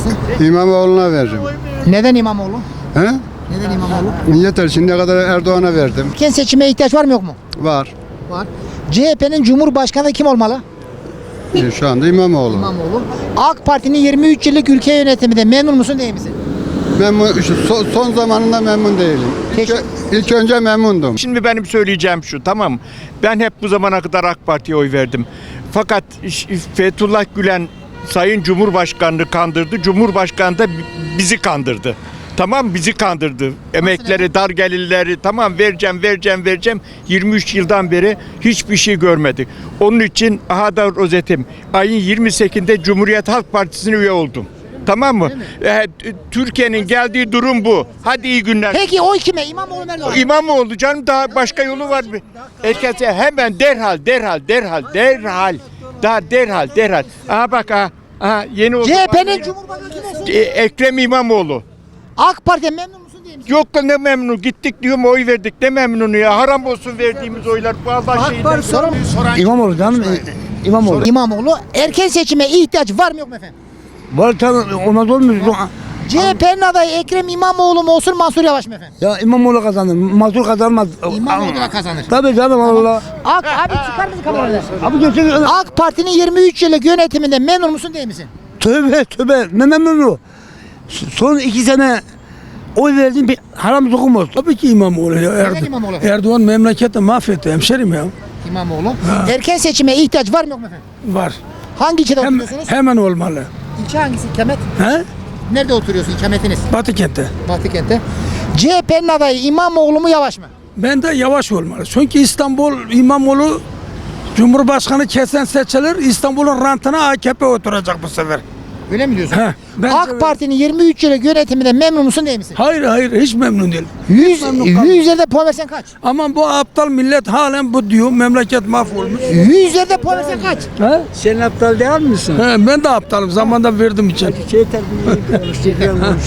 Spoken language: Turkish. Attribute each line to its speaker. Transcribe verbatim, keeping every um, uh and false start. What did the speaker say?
Speaker 1: vereceksin?
Speaker 2: İmamoğlu'na veririm.
Speaker 1: Neden İmamoğlu?
Speaker 2: He?
Speaker 1: Neden İmamoğlu?
Speaker 2: Yeter, şimdiye kadar Erdoğan'a verdim.
Speaker 1: Erken seçime ihtiyaç var mı yok mu?
Speaker 2: Var.
Speaker 1: Var. C H P'nin Cumhurbaşkanı kim olmalı?
Speaker 2: E, Şu anda İmamoğlu.
Speaker 1: İmamoğlu. AK Parti'nin yirmi üç yıllık ülke yönetiminde memnun musun değil misin?
Speaker 2: Memnun, şu son, son zamanında memnun değilim. İlk,
Speaker 1: Teşekkür-
Speaker 2: ilk önce memnundum.
Speaker 3: Şimdi benim söyleyeceğim şu, tamam. Ben hep bu zamana kadar AK Parti'ye oy verdim. Fakat iş- Fethullah Gülen Sayın Cumhurbaşkanı'nı kandırdı. Cumhurbaşkanı da bi- bizi kandırdı. Tamam, bizi kandırdı. Emekleri, dar gelirleri tamam vereceğim, vereceğim, vereceğim. yirmi üç yıldan beri hiçbir şey görmedik. Onun için aha da rozetim. Ayın yirmi sekizinde Cumhuriyet Halk Partisi'ne üye oldum. Tamam mı? Ee, t- Türkiye'nin geldiği durum bu. Hadi iyi günler.
Speaker 1: Peki oy kime? İmamoğlu mu Erdoğan?
Speaker 3: İmamoğlu canım, daha başka yolu var mı? Herkese hemen derhal derhal derhal derhal daha derhal derhal. Aha bak aha, aha yeni oldu.
Speaker 1: C H P'nin Cumhurbaşkanı kim olsun?
Speaker 3: E, Ekrem İmamoğlu.
Speaker 1: AK Parti'ye memnun musun değil misin?
Speaker 3: Yok da ne memnun, gittik diyorum oy verdik, ne memnunu ya, haram olsun verdiğimiz oylar. Bu Allah şeyinden soran.
Speaker 4: İmamoğlu canım. İmamoğlu.
Speaker 1: İmamoğlu. Erken seçime ihtiyaç var mı yok mu efendim?
Speaker 4: Var tabii olmaz olmuyor.
Speaker 1: C H P'nin adayı Ekrem İmamoğlu mu olsun Mansur Yavaş mı efendim?
Speaker 4: Ya İmamoğlu kazanır. Mazur kazanmaz.
Speaker 1: İmamoğlu da kazanır.
Speaker 4: Tabii canım Allah.
Speaker 1: AK, abi çıkar mısın kamerada?
Speaker 4: Abi götür.
Speaker 1: AK Parti'nin yirmi üç yıllık yönetiminde memnun musun değil misin?
Speaker 4: Tövbe tövbe. Ne memnunu. Son iki sene oy verdiğim bir haram sokum olsun.
Speaker 5: Tabii ki İmamoğlu ya.
Speaker 1: Neden
Speaker 5: Erdo-
Speaker 1: İmamoğlu efendim?
Speaker 5: Erdoğan memleketi mahvetti hemşerim ya.
Speaker 1: İmamoğlu. Erken seçime ihtiyaç var mı yok mu efendim?
Speaker 5: Var.
Speaker 1: Hangi ilçede
Speaker 5: Hem,
Speaker 1: oturuyorsunuz?
Speaker 5: hemen olmalı.
Speaker 1: İlçe hangisi? İkamet?
Speaker 5: He?
Speaker 1: Nerede oturuyorsun ikametiniz?
Speaker 5: Batı kente.
Speaker 1: Batı kente. C H P'nin adayı İmamoğlu mu Yavaş mı?
Speaker 5: Ben de yavaş olmalı. Çünkü İstanbul İmamoğlu Cumhurbaşkanı kesen seçilir. İstanbul'un rantına A K P oturacak bu sefer.
Speaker 1: Öyle mi diyorsun?
Speaker 5: He, bence
Speaker 1: AK
Speaker 5: öyle.
Speaker 1: Parti'nin yirmi üç yıllık yönetiminde memnun musun değil misin?
Speaker 5: Hayır hayır hiç memnun değil.
Speaker 1: yüz,
Speaker 5: memnun kalmadım.
Speaker 1: yüz üzerinde puan versen kaç?
Speaker 5: Ama bu aptal millet halen bu diyor. Memleket mahvolmuş.
Speaker 1: yüz üzerinde puan versen kaç?
Speaker 5: He?
Speaker 4: Sen aptal değil misin?
Speaker 5: He, ben de aptalım. Zamanda verdim için.
Speaker 4: Şey terbiyeli konuş.